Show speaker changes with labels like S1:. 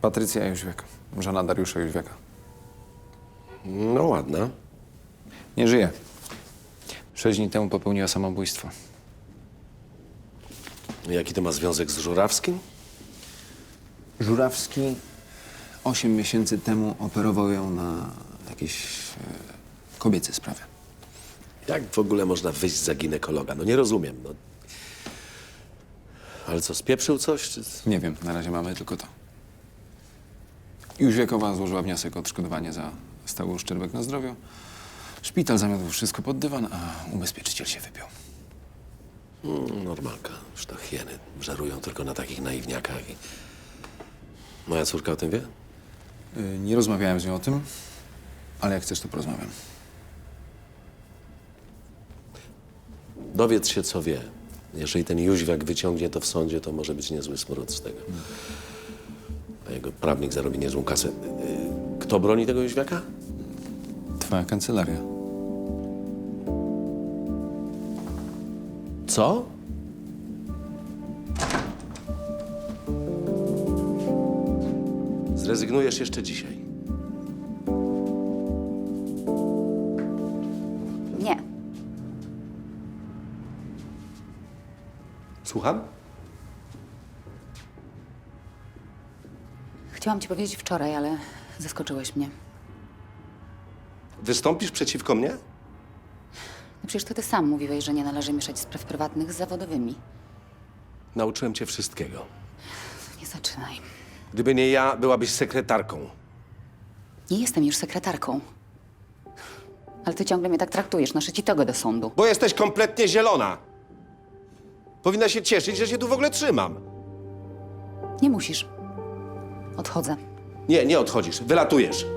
S1: Patrycja Jóźwiak, żona Dariusza Jóźwiaka.
S2: No ładna.
S1: Nie żyje. 6 dni temu popełniła samobójstwo.
S2: Jaki to ma związek z Żurawskim?
S1: Żurawski 8 miesięcy temu operował ją na jakieś kobiece sprawy.
S2: Jak w ogóle można wyjść za ginekologa? No nie rozumiem, no. Ale co, spieprzył coś, czy...
S1: Nie wiem, na razie mamy tylko to. Jóźwiakowa złożyła wniosek o odszkodowanie za stały uszczerbek na zdrowiu. Szpital zamiatł wszystko pod dywan, a ubezpieczyciel się wypiął.
S2: Normalka. Już to hieny żerują tylko na takich naiwniakach. Moja córka o tym wie?
S1: Nie rozmawiałem z nią o tym, ale jak chcesz, to porozmawiam.
S2: Dowiedz się, co wie. Jeżeli ten Jóźwiak wyciągnie to w sądzie, to może być niezły smród z tego. A jego prawnik zarobi niezłą kasę. Kto broni tego Jóźwiaka?
S1: Twoja kancelaria.
S2: Co? Zrezygnujesz jeszcze dzisiaj.
S3: Nie.
S2: Słucham?
S3: Chciałam ci powiedzieć wczoraj, ale zaskoczyłeś mnie.
S2: Wystąpisz przeciwko mnie?
S3: No przecież to ty sam mówiłeś, że nie należy mieszać spraw prywatnych z zawodowymi.
S2: Nauczyłem cię wszystkiego.
S3: Nie zaczynaj.
S2: Gdyby nie ja, byłabyś sekretarką.
S3: Nie jestem już sekretarką. Ale ty ciągle mnie tak traktujesz, noszę ci togę do sądu.
S2: Bo jesteś kompletnie zielona. Powinna się cieszyć, że się tu w ogóle trzymam.
S3: Nie musisz. Odchodzę.
S2: Nie, nie odchodzisz. Wylatujesz.